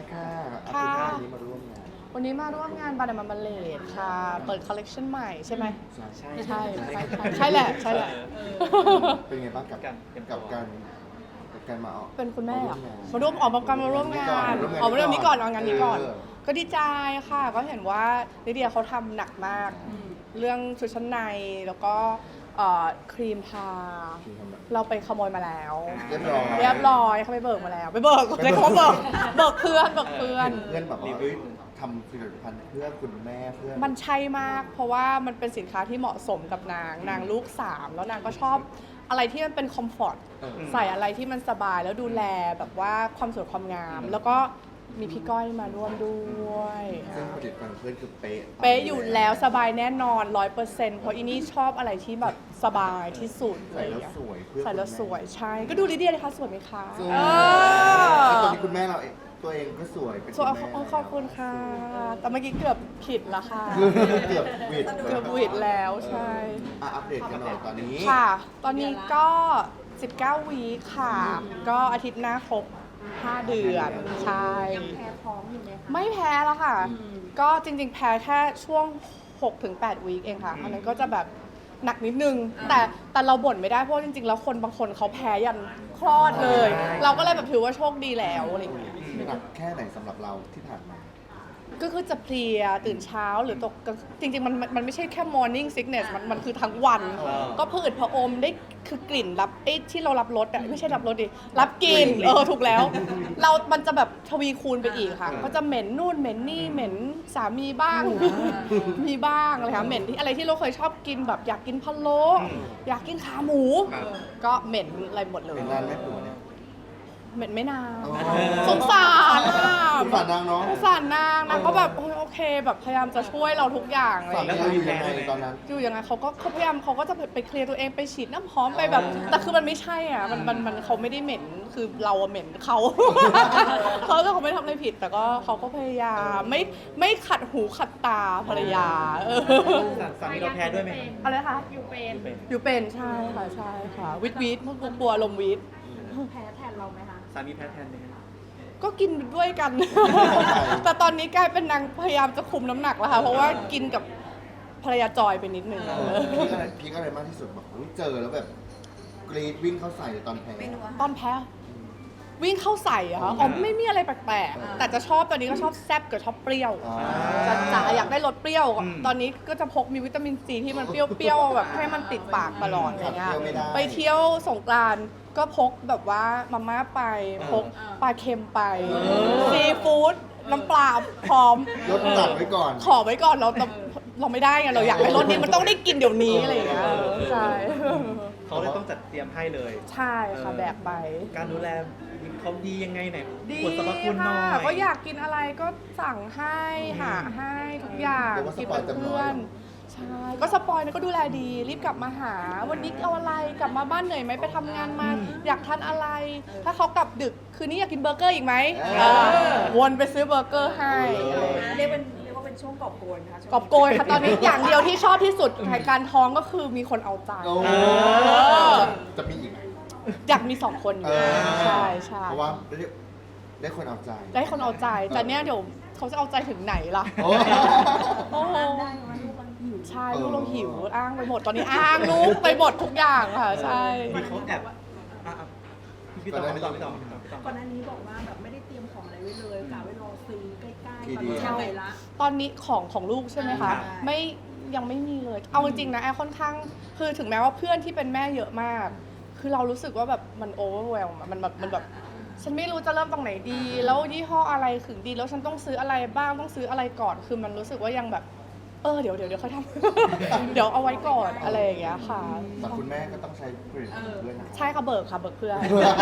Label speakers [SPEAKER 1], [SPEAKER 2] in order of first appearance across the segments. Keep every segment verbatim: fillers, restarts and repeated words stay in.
[SPEAKER 1] ค่ะอา
[SPEAKER 2] ค่ะ
[SPEAKER 1] ทิตย์หน้านี้มาร่วมงาน
[SPEAKER 2] วันนี้มาร่วมงานบานามามาเลดค่ะ เปิดคอลเลกชันใหม่ใช่ไหม
[SPEAKER 1] ใช่
[SPEAKER 3] ใช่
[SPEAKER 2] ใช่ใช่ใช่ใช่แหละใช่แหละ
[SPEAKER 1] เป็นไงบ้างกับ
[SPEAKER 3] การเตรียมตัว
[SPEAKER 1] กับการกับการมาออก
[SPEAKER 2] เป็นคุณแม่อะ
[SPEAKER 1] มา
[SPEAKER 2] มาร่วมออกมาการมาร่วมงานออกมาเรื่องนี้ก่อนเอางานนี้ก่อน
[SPEAKER 1] เออ
[SPEAKER 2] ก็ดีใจค่ะ ก็เห็นว่าลิเดียเขาทำหนักมาก เรื่องชุดชั้นในแล้วก็เอ่อครีมทา
[SPEAKER 1] ที่ทำแบบ
[SPEAKER 2] เราไปขโมยมาแล้ว
[SPEAKER 1] เรียบร้อย
[SPEAKER 2] เรียบร้อยเขาไปเบิกมาแล้ว ไปเบิกเลยเขาเบิกเบิกเพื่อนเบิกเพื่อน
[SPEAKER 1] เพื่อนแบบ
[SPEAKER 3] รี
[SPEAKER 1] ว่า
[SPEAKER 3] วิว
[SPEAKER 1] ทำผลิตภัณฑ์เพื่อคุณแม่เพื่อน
[SPEAKER 2] มันใช่มาก เพราะว่ามันเป็นสินค้าที่เหมาะสมกับนาง นางลูกสามแล้วนางก็ชอบอะไรที่มันเป็นคอมฟอร์ต
[SPEAKER 1] เออ
[SPEAKER 2] ใส่อะไรที่มันสบายแล้วดูแลแบบว่าความสวยความงาม แล้วก็มีพี่ก้อยมาร่วมด้วย
[SPEAKER 1] ซึ่งผลิตภัณฑ์เพื่อนคือเป๊ะ
[SPEAKER 2] เป๊ะอยู่แล้วสบายแน่นอนร้อยเปอร์เซ็นต์เพราะอีนี่ชอบอะไรที่แบบสบายที่สุด
[SPEAKER 1] ใส่แล้วสวยเพื่อ
[SPEAKER 2] ใส่แล้ว
[SPEAKER 1] คุณม่
[SPEAKER 2] สวยใช่ ก็ดูลิเดียเลยค่ะสวยไหมคะ
[SPEAKER 1] สวย
[SPEAKER 2] เอ
[SPEAKER 1] แล้วตอน
[SPEAKER 2] อ
[SPEAKER 1] นี้คุณแม่เราเองตัวเองก็สวยเป็น
[SPEAKER 2] สวย
[SPEAKER 1] คุณแม่
[SPEAKER 2] ขอบขอบคุณค่ะ แต่เมื่อกี้เกือบผิดละค่ะ
[SPEAKER 1] เกือบวิด
[SPEAKER 2] เกือบวิดแล้วใช่
[SPEAKER 1] อ่ะอัปเดตกันหน่อยตอนนี้
[SPEAKER 2] ค่ะ ตอนนี้ก็ สิบเก้า วีคค่ะ ก็อาทิตย์หน้าครบ ห้า เดือน ใช่
[SPEAKER 4] ยังแพ้ท้องอยู่ไหมคะ
[SPEAKER 2] ไม่แพ้แล้วค่ะ ก็จริงๆ แพ้แค่ช่วง หกถึงแปด วีคเองค่ะ อันนั้นก็จะแบบหนักนิดนึง แต่แต่เราบ่นไม่ได้เพราะจริงๆ แล้วคนบางคนเขาแพ้ยันคลอดเลย เราก็เลยแบบถือว่าโชคดีแล้วอะไรอย่างเงี้ย
[SPEAKER 1] หนักแค่ไหนสำหรับเราที่ผ่านมา
[SPEAKER 2] ก็คือจะเพลียตื่นเช้าหรือตกกลางจริงๆมันมันไม่ใช่แค่ morning sickness มันมันคือทั้งวัน
[SPEAKER 3] อ๋อ
[SPEAKER 2] ก็ผืดผะอมได้คือกลิ่นรับไอ้ที่เรารับรสอะไม่ใช่รับรสดิรับกลิ่นเออถูกแล้ว เรา มันจะแบบทวีคูณไปอีกค่ะ
[SPEAKER 1] อ่า
[SPEAKER 2] ก็จะเหม็นนู่นเหม็นนี่เหม็นสามีบ้าง มีบ้างอะไรค่ะเหม็นที่อะไรที่เราเคยชอบกินแบบอยากกินพะโล้อยากกินขาหมู
[SPEAKER 3] ครับ
[SPEAKER 2] ก็เหม็นอะไรหมดเลย
[SPEAKER 1] เป็นร้านแม่ผัวเนี่ย
[SPEAKER 2] เหม็นไม่นาน
[SPEAKER 1] อ๋อ
[SPEAKER 2] สงสารอะ
[SPEAKER 1] สงสารนางเนาะ
[SPEAKER 2] สงสารนางนางก็แบบโอเคโอเค แบบพยายามจะช่วยเราทุกอย่างอะไรอ
[SPEAKER 1] สา
[SPEAKER 2] ย่าง
[SPEAKER 1] มี
[SPEAKER 2] เงี้ย
[SPEAKER 1] เราอยู่ยังไงตอนนั้น
[SPEAKER 2] อยู่ยังไงเขาก็เขาพยายามเขาก็จะไปเคลียร์ตัวเองไปฉีดน้ำหอมไปแบบ แต่คือมันไม่ใช่อ่ะมันมันมันเขาไม่ได้เหม็นคือเราอะเหม็นเขา เขาแต่เขาไม่ทำอะไรผิด แต่ก็เขาก็พยายามไม่ไม่ขัดหูขัดตาภรรยาเออ
[SPEAKER 3] สาสามีเราแพ้ด้วยไหม
[SPEAKER 2] อะไรคะ
[SPEAKER 4] อยู่เป็น
[SPEAKER 3] เป็น
[SPEAKER 2] อยู่เป็นใช่ค่ะใช่ค่ะวิทวิทพวกกลัวลมวิท
[SPEAKER 4] แพ้แทนเราไหมคะ
[SPEAKER 3] สามีแพ้แทนไหมครับ
[SPEAKER 2] ก็กินด้วยกัน แต่ตอนนี้กลายเป็นนางพยายามจะคุมน้ำหนักแล้วค่ะ เพราะว่ากินกับภรรยาจอยไปนิดนึง
[SPEAKER 1] พีคอะไรพีคอะไรมากที่สุดแบบอุ๊ยเจอแล้วแบบกรีดวิ่งเข้าใส่ตอนแพ้
[SPEAKER 2] ตอนแพ้วิ่งเข้าใส่อะค่ะอ๋อไม่มีอะไรแปลกๆ แต่จะชอบตอนนี้ก็ชอบแซ่บกับชอบเปรี้ยว
[SPEAKER 1] อ๋อ
[SPEAKER 2] จะจ๋าอยากได้รสเปรี้ยว
[SPEAKER 3] อืม
[SPEAKER 2] ตอนนี้ก็จะพกมีวิตามินซีที่มันเปรี้ยวๆแบบให้มันติดปากตลอดอะไรเงี้ย
[SPEAKER 1] ขาดเปรี้ยวไม่ได้
[SPEAKER 2] ไปเที่ยวสงกรานต์ก็พกแบบว่ามาม่าไปพกปลาเค็มไปซีฟู้ดน้ำปลาพร้อม
[SPEAKER 1] ลดจัดไว้ก่อน
[SPEAKER 2] ขอไว้ก่อนเราเราเราไม่ได้ไงเราอยากให้รสนี้มันต้องได้กินเดี๋ยวนี้อะไรอย่างเงี้ยใช่
[SPEAKER 3] เขาเลยต้องจัดเตรียมให้เลย
[SPEAKER 2] ใช่ค่ะแบกไป
[SPEAKER 3] การดูแลเขาดียังไงไหน
[SPEAKER 2] ดี
[SPEAKER 3] บทสรรพคุณหน่
[SPEAKER 2] ค่ะ
[SPEAKER 3] อย
[SPEAKER 2] ก็อยากกินอะไรก็สั่งให้หาให้ทุกอย่าง
[SPEAKER 1] เรียกว่าส
[SPEAKER 2] กิน
[SPEAKER 1] ปอย
[SPEAKER 2] กับ
[SPEAKER 1] เต็มร้
[SPEAKER 2] เพื่
[SPEAKER 1] อ
[SPEAKER 2] อย นใช่ก็สปอยนะก็ดูแลดีรีบกลับมาหา วันนี้เอาอะไรกลับมาบ้านเหนื่อยไหมไปทำงานมา อยากทานอะไร ถ้าเขากลับดึกคืนนี้อยากกินเบอร์เกอร์อีกไหม
[SPEAKER 1] เออ
[SPEAKER 2] เออวนไปซื้อเบอร์เกอร์ให้อะไรอย่างเงี้ย
[SPEAKER 4] เรียกเป็นเรียกว่าเป็นช่วงกอบโกยนะคะช่วง
[SPEAKER 2] กอบโกยค่ะตอนนี้อย่างเดียวที่ชอบที่สุดในการท้องก็คือมีคนเอาใจ
[SPEAKER 1] โอ้
[SPEAKER 2] เออ
[SPEAKER 1] จะมีอีกไหม
[SPEAKER 2] อยากมีสองคนอยู่
[SPEAKER 1] เออ
[SPEAKER 2] ใช่ใช่
[SPEAKER 1] เพราะว่าได้ได้คนเอาใจ
[SPEAKER 2] ได้คนเอาใจแต่เนี่ยเดี๋ยวเขาจะเอาใจถึงไหนล่ะ
[SPEAKER 1] โอ้
[SPEAKER 2] โอ้โห
[SPEAKER 4] ได้ว่าลูกมันหิว
[SPEAKER 2] ใช่ลูกเราหิวอ้างไปหมดตอนนี้อ้างลูกไปหมดทุกอย่างค่ะใช่
[SPEAKER 3] มีเขาแอบอ่ะอ่ะพี่ต่อพี่ต่อพี่ต่อพี่ต่อพี่ต่อ
[SPEAKER 4] ก่อนหน้านี้บอกว่าแบบไม่ได้เตรียมของอะไรไว้เลยกะไว้รอซื้อใกล้ๆ
[SPEAKER 1] ที
[SPEAKER 4] ตอน
[SPEAKER 1] เดียว
[SPEAKER 4] นี้ยังไงละ
[SPEAKER 2] ตอนนี้ของของลูกใช่ไหมคะ
[SPEAKER 4] ใช่
[SPEAKER 2] ไม่ยังไม่มีเลย เอาจริงๆนะแอร์ค่อนข้างคือถึงแม้ว่าเพื่อนที่เป็นแม่เยอะมาก คือเรารู้สึกว่าแบบมันโอเวอร์เวลมันแบบมันแบบฉันไม่รู้จะเริ่มตรงไหนดี แล้วยี่ห้ออะไรถึงดีแล้วฉันต้องซื้ออะไรบ้างต้องซื้ออะไรก่อน คือมันรู้สึกว่ายังแบบเออเดี๋ยวเดี๋ยวเดี๋ยวค่อยทำ เดี๋ยวเอาไว้ก่อนอะไรอย่างเงี้ยค่ะ
[SPEAKER 1] แต่คุณแม่ก็ต้องใช้ผลิตภัณฑ์ด้วยนะ
[SPEAKER 2] ใช่ค่ะเบิกค่ะเบิกเพื่อน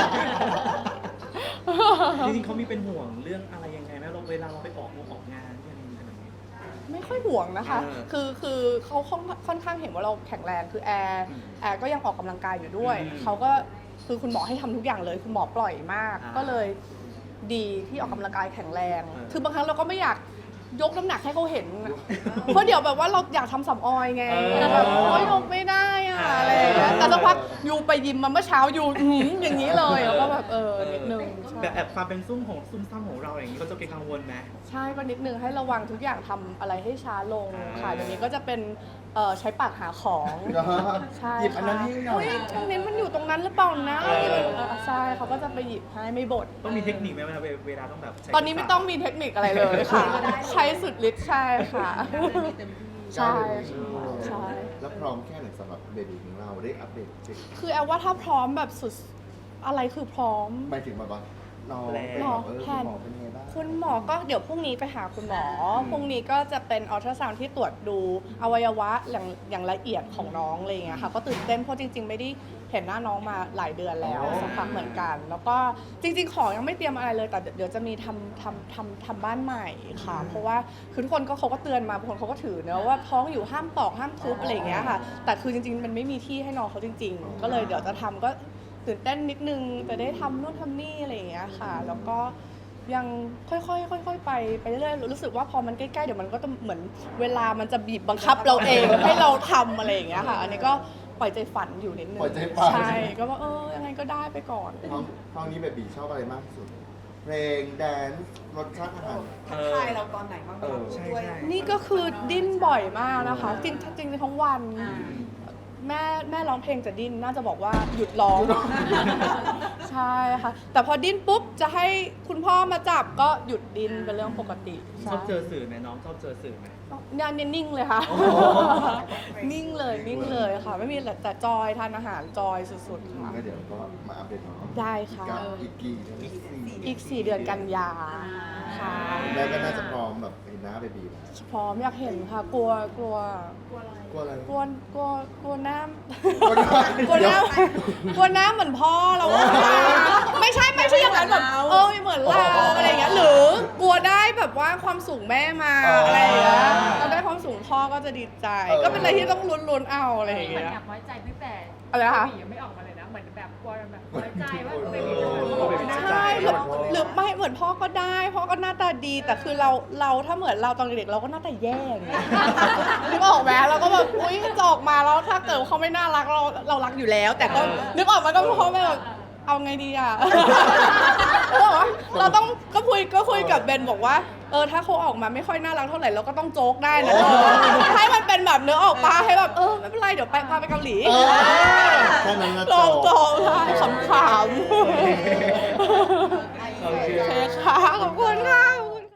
[SPEAKER 3] จริงๆเขามีเป็นห่วงเรื่องอะไรยังไงไหมเราเวลาเราไปออกงานออกงานเนี่ยอะไรแบบนี้
[SPEAKER 2] ไม่ค่อยห่วงนะคะ
[SPEAKER 3] เออ
[SPEAKER 2] คือคือเขาค่อนค่อนข้างเห็นว่าเราแข็งแรง คือแอร์
[SPEAKER 3] อืม
[SPEAKER 2] แอร์ก็ยังออกกำลังกายอยู่ด้วย
[SPEAKER 3] อืม
[SPEAKER 2] เขาก็คือคุณหมอให้ทำทุกอย่างเลย คุณหมอปล่อยมาก
[SPEAKER 3] อ่า
[SPEAKER 2] ก็เลยดีที่ออกกำลังกายแข็งแรง
[SPEAKER 3] เออ
[SPEAKER 2] คือบางครั้งเราก็ไม่อยากยกน้ำหนักให้เขาเห็น เพราะเดี๋ยวแบบว่าเราอยากทำสำออยไง
[SPEAKER 3] เออ
[SPEAKER 2] แบบโอ๊ยยกไม่ได้อะอะไรอย่างเงี้ยแต่สักพักยูไปยิมมาเมื่อเช้ายูอื้อหืออย่างนี้เลยแล้วก็แบบเออนิดนึงใช่
[SPEAKER 3] แบบแอบความเป็นซุ่มของซุ่มซ่ามของเราอย่างนี้ก็จะเป็นกังวลไหม
[SPEAKER 2] ใช่ก็นิดนึงให้ระวังทุกอย่างทำอะไรให้ช้าลงค่ะ
[SPEAKER 3] อ่า
[SPEAKER 2] เดี๋ยวนี้ก็จะเป็นเอ่อใช้ปากหาของใช่
[SPEAKER 1] หยิบอันนั้นให้หน่อย
[SPEAKER 2] เฮ้ยตรงนี้มันอยู่ตรงนั้นหรือเปล่านะเออใช่เขาก็จะไปหยิบให้ไม่บ่น
[SPEAKER 3] ต้องมีเทคนิคไหมเวลาเวลาต้องแบบใช้
[SPEAKER 2] ตอนนี้ไม่ต้องมีเทคนิคอะไรเลยค่ะ ใช้สุดฤทธิ์ใช่ค่ะ
[SPEAKER 4] เต็มที่
[SPEAKER 2] ใช่ใช่
[SPEAKER 1] แล้วพร้อมแค่ไหนสำหรับเบบีของเราได้อัปเดตเช็ค
[SPEAKER 2] คือแอลว่าถ้าพร้อมแบบสุดอะไรคือพร้อม
[SPEAKER 1] หมายถึงแบบว่าน้อง
[SPEAKER 3] แล้
[SPEAKER 1] เป็น
[SPEAKER 3] ว
[SPEAKER 1] แบบเออคุณหมอเป็นไงบ้าง
[SPEAKER 2] คุณหมอก็เดี๋ยวพรุ่งนี้ไปหาคุณหมอ พรุ่งนี้ก็จะเป็นอัลตราซาวด์ที่ตรวจดูอวัยวะอย่างอย่างละเอียดของน้องอะไรอย่างเงี้ยค่ะ ก็ตื่นเต้นเพราะจริง ๆ ไม่ได้เห็นหน้าน้องมาหลายเดือนแล้วสักพักเหมือนกัน แล้วก็จริง ๆ ของยังไม่เตรียมอะไรเลย แต่เดี๋ยวจะมีทำทำทำทำบ้านใหม่ค่ะ เพราะว่าคือทุกคนก็เขาก็เตือนมาบางคนเขาก็ถือเนอะว่าท้องอยู่ห้ามตอกห้ามทุบอะไรอย่างเงี้ยค่ะ แต่คือจริง ๆ มันไม่มีที่ให้น้องเขาจริง ๆ ก็เลยเดี๋ยวจะทำก็ตื่นเต้นนิดนึงจะได้ทำนู่นทำนี่อะไรอย่างเงี้ยค่ะ แล้วก็ ยังค่อยๆค่อยๆไปไปเรื่อยๆรู้สึกว่าพอมันใกล้ๆเดี๋ยวมันก็จะเหมือนเวลามันจะบีบบังคับเราเอง ให้เราทำอะไรอย่างเงี้ยค่ะ อันนี้ก็ปล่อยใจฝันอยู่นิดนึง
[SPEAKER 1] ปล่อยใจฝัน
[SPEAKER 2] ใช่ก็ว่าเออยังไงก็ได้ไปก่อน
[SPEAKER 1] ห้องห้องนี้เบบีชอบอะไรมากที่สุด เพลงแดนซ์รสชาติอาหาร
[SPEAKER 4] ทักทายเราตอนไหนบ้าง
[SPEAKER 1] เออ
[SPEAKER 3] ใช่
[SPEAKER 4] ด้วย
[SPEAKER 3] ใช่
[SPEAKER 2] นี่ก็คือดิ้นบ่อยมากนะคะ จริงจริงๆทั้งวัน
[SPEAKER 4] อ่า
[SPEAKER 2] แม่แม่ร้องเพลงจะดิ้นน่าจะบอกว่าหยุดร้อง ใช่ค่ะ แต่พอดิ้นปุ๊บจะให้คุณพ่อมาจับก็หยุดดิ้นเป็นเรื่องปกติ
[SPEAKER 3] ชอบเจอสื่อไหมน้องชอบเจอสื่อไหม
[SPEAKER 2] เนี่ยเนี่ยนิ่งเลยค่ะ นิ่งเลยนิ่งเลยค่ะ ไม่มีอะไรแต่จอยทานอาหารจอยสุดๆค่ะ
[SPEAKER 1] ก็เดี๋ยวก็มาอัปเดตน้อง
[SPEAKER 2] ได้ค่ะ
[SPEAKER 1] อีกกี่อีกกี่
[SPEAKER 2] อีกสี่เดือนกันยาค่ะ
[SPEAKER 1] แล้วก็น่าจะพร้อมแบบเห็นหน้าเบบีแล้ว
[SPEAKER 2] พร้อมอยากเห็นค่ะ กลัวกลัว
[SPEAKER 1] กลัวอะไร
[SPEAKER 2] กลัวกลัวกลัวน้
[SPEAKER 1] กลัวน้ำ
[SPEAKER 2] ำกลัวน้ำกลัวน้ำเหมือนพ่อเราอะไม่ใช่ไม่ใช่อย่างนั้นแบบเออเหมือนเราอะไรอย่างเงี้ยหรือกลัวได้แบบว่าความสูงแม่มาอะไรอย่างเงี้ยเราได้ความสูงพ่อก็จะดีใจ ก็เป็นอะไรที่ต้องลุ้นๆเอาอะไรอย่าง
[SPEAKER 5] เหมือน
[SPEAKER 2] เงี้ย
[SPEAKER 5] แอบน้อยใจพี่แปด
[SPEAKER 2] อะไรนะคะ
[SPEAKER 5] เบบียังไม่ออกมาเลยนะ เหมือนแบบกลัวแบบน้อยใจว่าเบบีจะออกมา
[SPEAKER 2] ใช่หรือหรือไม่เหมือนพ่อก็ได้พ่อก็หน้าตาดีแต่คือเราเราถ้าเหมือนเราตอนเด็กๆเราก็หน้าตาแย่ไงนึกออกไหมเราก็แบบอุ้ยจะออกมาแล้วถ้าเกิดเขาไม่น่ารักเราเรารักอยู่แล้ว แต่ก็นึกออกมาก็พ่อแม่แบบเอาไงดีอ่ะ เราต้องก็คุยก็คุยกับเบนบอกว่าเออถ้าเขาออกมาไม่ค่อยน่ารักเท่าไหร่เราก็ต้องโจ๊กได้นะให้มันเป็นแบบเนื้อออกมาให้แบบเออไม่เป็นไรเดี๋ยวไปพาไปเกาหลี
[SPEAKER 1] เออแค่นั้นนะ
[SPEAKER 2] ลองโจ๊กได้ขำๆ
[SPEAKER 3] โอเค
[SPEAKER 2] โอเคค่ะ ขอบคุณค่ะ